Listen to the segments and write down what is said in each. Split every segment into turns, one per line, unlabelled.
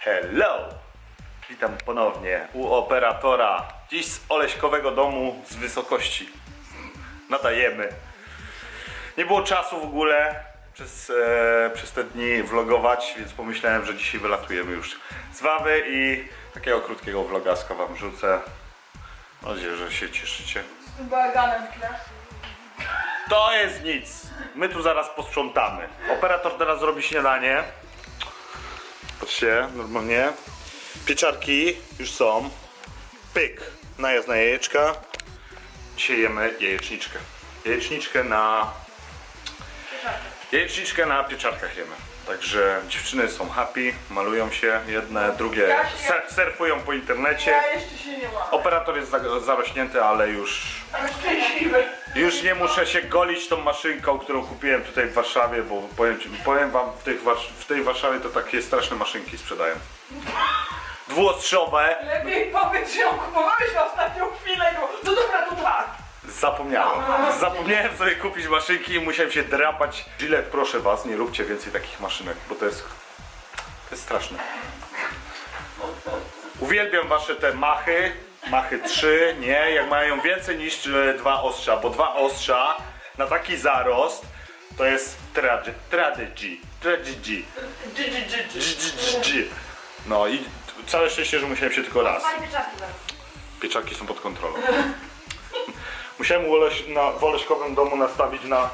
Hello! Witam ponownie u operatora. Dziś z Oleśkowego domu z wysokości. Nadajemy. Nie było czasu w ogóle przez te dni vlogować, więc pomyślałem, że dzisiaj wylatujemy już z Wawy i takiego krótkiego vlogaska wam rzucę. Mam nadzieję, że się cieszycie.
Z tym bałaganem w tle.
To jest nic. My tu zaraz posprzątamy. Operator teraz robi śniadanie. Patrzcie, normalnie. Pieczarki już są. Pyk. Najazd na jajeczka. Dzisiaj jemy jajeczniczkę. Jajeczniczkę na pieczarkach jemy. Także dziewczyny są happy, malują się jedne, drugie surfują po internecie.
Ja jeszcze się nie mam.
Operator jest zarośnięty, ale już
Ale szczęśliwy.
Już nie muszę się golić tą maszynką, którą kupiłem tutaj w Warszawie, bo powiem wam, w tej Warszawie to takie straszne maszynki sprzedają. Dwuostrzowe.
Lepiej powiedz, że ją kupowałeś na ostatnią chwilę. No dobra, to tak.
Zapomniałem sobie kupić maszynki i musiałem się drapać. Gillette, proszę was, nie róbcie więcej takich maszynek, bo to jest straszne. Uwielbiam wasze te Machy 3, nie, jak mają więcej niż 2 ostrza, bo 2 ostrza na taki zarost to jest tragedy. No i całe szczęście, że musiałem się tylko raz. Pieczarki są pod kontrolą. Musiałem w Oleśkowym domu nastawić na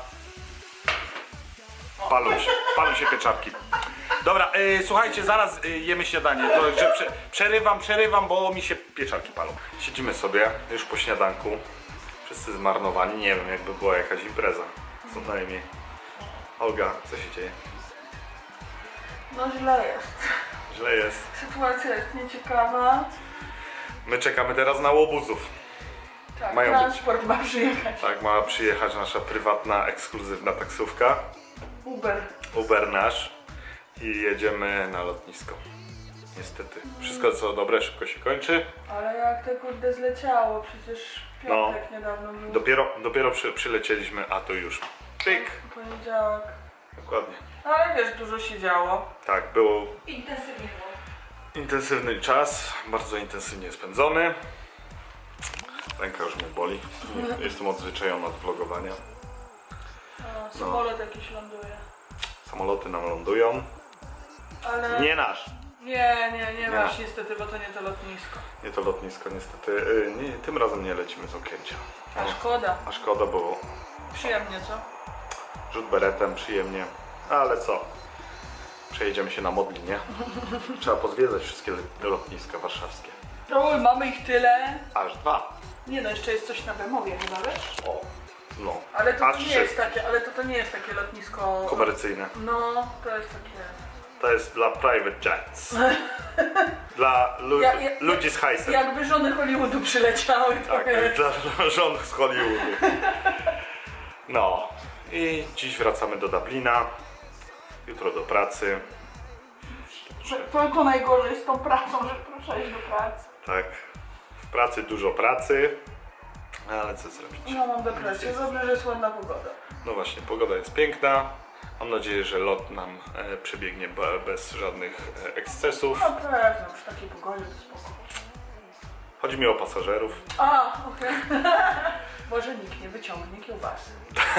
palą się pieczarki. Dobra, słuchajcie, zaraz jemy śniadanie. To, że przerywam, bo mi się pieczarki palą. Siedzimy sobie już po śniadanku. Wszyscy zmarnowani. Nie wiem, jakby była jakaś impreza. Co najmniej. Olga, co się dzieje?
No źle jest.
Źle jest.
Sytuacja jest nieciekawa.
My czekamy teraz na łobuzów.
Tak,
Mają
transport ma przyjechać.
Tak, ma przyjechać nasza prywatna, ekskluzywna taksówka. Uber nasz. I jedziemy na lotnisko. Niestety. Wszystko co dobre szybko się kończy.
Ale jak te kurde zleciało, przecież piątek niedawno był.
Dopiero przylecieliśmy, a to już pyk.
Poniedziałek.
Dokładnie.
Ale wiesz, dużo się działo.
Tak, było
Intensywnie było.
intensywny czas, bardzo intensywnie spędzony. Ręka już mnie boli. Jestem odzwyczajony od vlogowania.
O, samolot jakiś ląduje.
Samoloty nam lądują.
Ale...
Nie nasz.
Nie masz niestety, bo to nie to lotnisko.
Nie to lotnisko niestety. Tym razem nie lecimy z Okęcia.
A szkoda.
A szkoda, bo
Przyjemnie, co?
rzut beretem, przyjemnie. Ale co? Przejedziemy się na Modlinie. Trzeba pozwiedzać wszystkie lotniska warszawskie.
No, mamy ich tyle.
Aż 2.
Nie no, jeszcze jest coś na Bemowie chyba, wiesz?
O, no.
Ale to
Aż
nie
3.
jest takie, to nie jest takie lotnisko...
Komercyjne.
No, to jest takie...
To jest dla private jets. Dla ludzi z hajsem.
Jakby żony Hollywoodu przyleciały, to
Tak, to jest dla żon z Hollywoodu. No. I dziś wracamy do Dublina. Jutro do pracy.
To najgorzej z tą pracą, że proszę iść do pracy.
Tak. W pracy dużo pracy. Ale co zrobić?
No mam depresję, dobrze, że jest ładna pogoda.
No właśnie, pogoda jest piękna. Mam nadzieję, że lot nam przebiegnie bez żadnych ekscesów.
No pewno, przy takiej pogodzie to spoko.
Chodzi mi o pasażerów.
A, okej. Może nikt nie wyciągnie kiełbasy.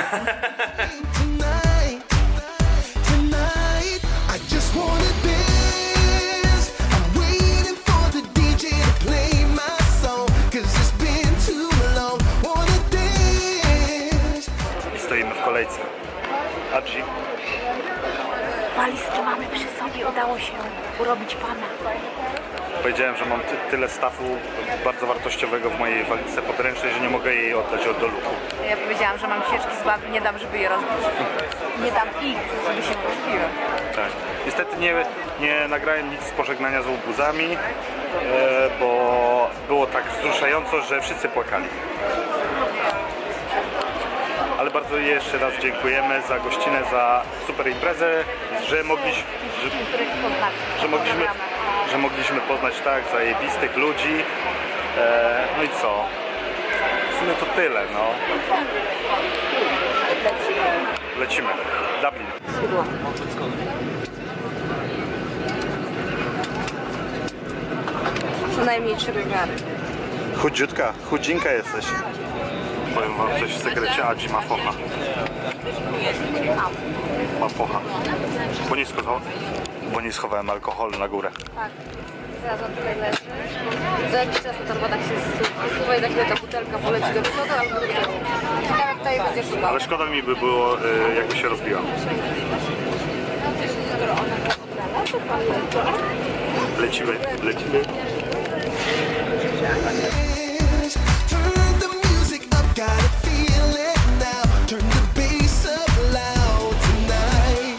Tonight, I just wanna dance. I'm waiting for the DJ to play my song, 'cause it's been too long. Wanna dance.
Stoimy w kolejce. Adzi.
Walizki mamy przy sobie, udało się urobić pana.
Powiedziałem, że mam tyle stafu bardzo wartościowego w mojej walizce podręcznej, że nie mogę jej oddać do luku.
Ja powiedziałam, że mam sieczki z bawi, nie dam, żeby je rozbić. Nie dam ich, żeby się rozbiły.
Tak. Niestety nie nagrałem nic z pożegnania z łobuzami, bo było tak wzruszająco, że wszyscy płakali. Ale bardzo jeszcze raz dziękujemy za gościnę, za super imprezę, że mogliśmy poznać tak zajebistych ludzi. No i co? W sumie to tyle, no. Lecimy. Dublin.
Co najmniej 3 rozmiary.
Chudziutka, chudzinka jesteś. Powiem wam coś w sekrecie, Adzi ma focha. Ma focha. Bo nie schowałem alkoholu na górę.
Tak. Zaraz on tutaj leży. Za jakiś czas ta torba tak się zsuwa i za chwilę ta butelka poleci do przodu albo do tyłu. Ciekawe, kto jej będzie szukał.
Ale szkoda mi by było, jakby się rozbiła. Lecimy, lecimy.
is. Turn the music up, gotta feel it now. Turn the bass up loud tonight.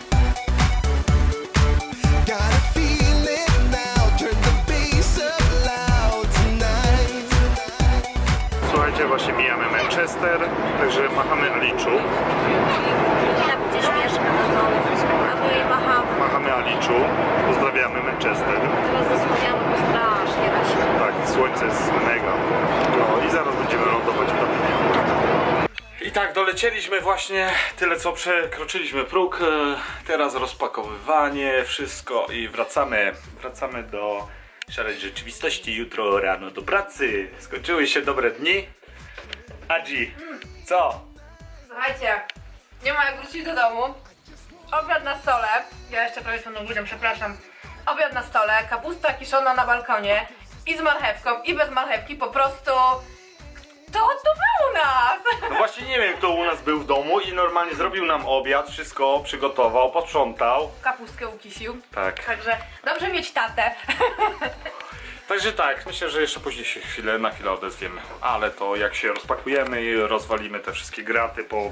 Gotta feel it now. Turn the bass up loud tonight.
Słuchajcie, właśnie mijamy Manchester, także machamy Aliczu.
Tam gdzieś mieszka na dole. A my jej machamy.
Machamy Aliczu, pozdrawiamy Manchester.
Teraz zasłaniamy, bo strasznie razi.
Tak, słońce jest mega. No i zaraz będziemy lądować w Dublinie. I tak, dolecieliśmy właśnie, tyle co przekroczyliśmy próg. Teraz rozpakowywanie, wszystko i wracamy do szarej rzeczywistości. Jutro rano do pracy. Skończyły się dobre dni. Adzi, co?
Słuchajcie, nie ma jak wrócić do domu. Obiad na stole. Ja jeszcze prawie z panem ludziom, przepraszam. Obiad na stole, kapusta kiszona na balkonie i z marchewką, i bez marchewki, po prostu... Kto tu był u nas?
No właśnie nie wiem, kto u nas był w domu i normalnie zrobił nam obiad, wszystko przygotował, posprzątał.
Kapustkę ukisił.
Tak.
Także dobrze mieć tatę.
Także tak, myślę, że jeszcze później się na chwilę odezwiemy. Ale to jak się rozpakujemy i rozwalimy te wszystkie graty po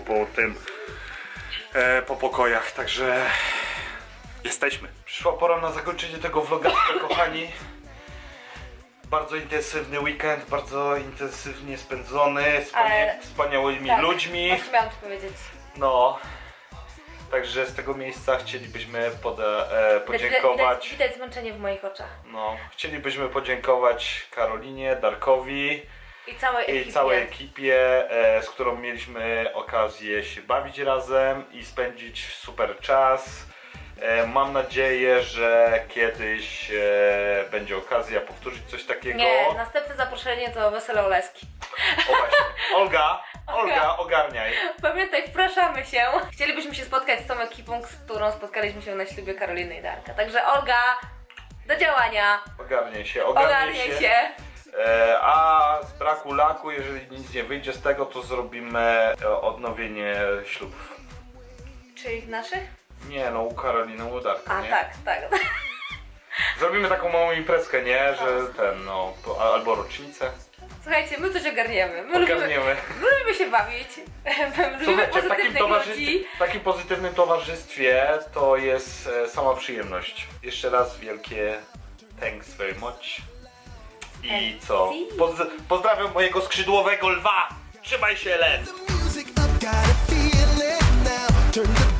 pokojach, także jesteśmy. Przyszła pora na zakończenie tego vlogatka, kochani. Bardzo intensywny weekend, bardzo intensywnie spędzony z
Ale-
wspaniałymi
Tak,
ludźmi.
właśnie miałam to powiedzieć.
No, także z tego miejsca chcielibyśmy podziękować.
Widać zmęczenie w moich oczach.
No, chcielibyśmy podziękować Karolinie, Darkowi
I całej ekipie.
i całej ekipie, z którą mieliśmy okazję się bawić razem i spędzić super czas. Mam nadzieję, że kiedyś będzie okazja powtórzyć coś takiego.
Nie, następne zaproszenie to wesele Oleski.
O właśnie. Olga, ogarniaj.
Pamiętaj, wpraszamy się. Chcielibyśmy się spotkać z tą ekipą, z którą spotkaliśmy się na ślubie Karoliny i Darka. Także Olga, do działania.
Ogarniaj się,
Ogarniaj się.
A z braku laku, jeżeli nic nie wyjdzie z tego, to zrobimy odnowienie ślubów.
Czyli naszych?
Nie no, u Karoliny, u Darka,
A
nie?
tak.
Zrobimy taką małą imprezkę, nie? Że albo rocznicę.
Słuchajcie, my coś ogarniemy. My
Ogarniemy.
lubimy się bawić. Lubimy
Słuchajcie, w
pozytywnych ludzi.
takim pozytywnym towarzystwie to jest sama przyjemność. Jeszcze raz wielkie thanks very much. I co? Pozdrawiam mojego skrzydłowego lwa! Trzymaj się, Len!
The music up, gotta feel it now. Turn the